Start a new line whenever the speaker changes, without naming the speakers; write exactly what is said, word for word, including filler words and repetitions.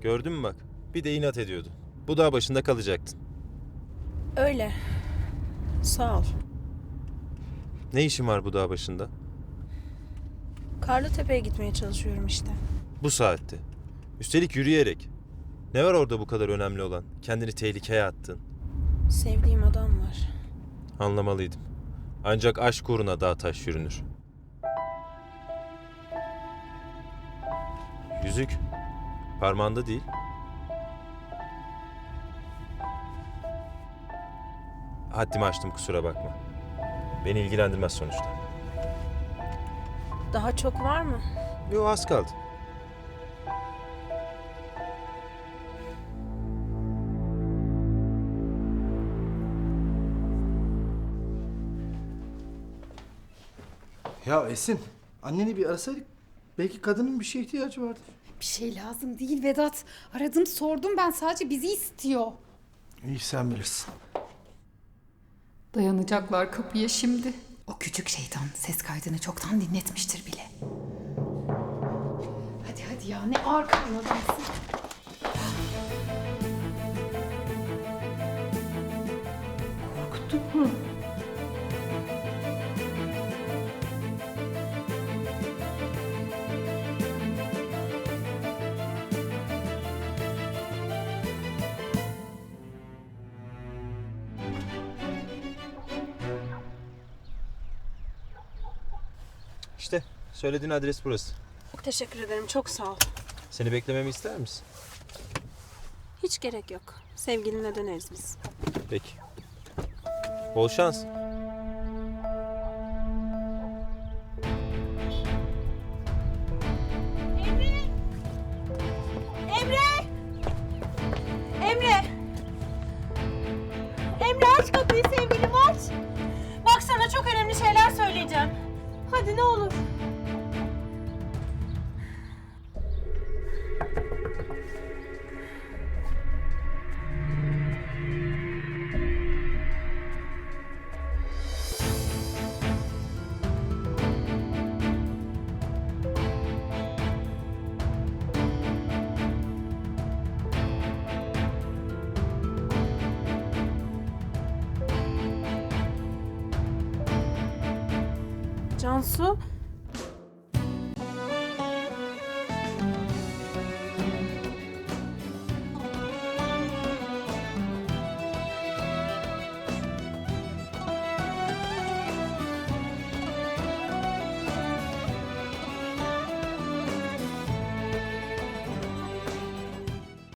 Gördün mü bak? Bir de inat ediyordu. Bu dağ başında kalacaktın.
Öyle. Sağ ol.
Ne işin var bu dağ başında?
Karlıtepe'ye gitmeye çalışıyorum işte.
Bu saatte. Üstelik yürüyerek. Ne var orada bu kadar önemli olan? Kendini tehlikeye attın.
Sevdiğim adam var.
Anlamalıydım. Ancak aşk uğruna dağ taş yürünür. Yüzük. Parmağında değil. Haddimi aştım, kusura bakma. Beni ilgilendirmez sonuçta.
Daha çok var mı?
Yo, az kaldı.
Ya Esin, anneni bir arasaydık. Belki kadının bir şeye ihtiyacı vardır.
Bir şey lazım değil Vedat. Aradım sordum ben, sadece bizi istiyor.
İyi, sen bilirsin.
Dayanacaklar kapıya şimdi. O küçük şeytan ses kaydını çoktan dinletmiştir bile. Hadi hadi ya, ne ağır karnı adamsın. Korkuttuk mu?
İşte söylediğin adres burası.
Teşekkür ederim. Çok sağ ol.
Seni beklememi ister misin?
Hiç gerek yok. Sevgilinle döneriz biz.
Peki. Bol şans.
Emre! Emre! Emre, aç kapıyı sevgilim, aç! Bak, sana çok önemli şeyler söyleyeceğim. Hadi ne olur. Cansu,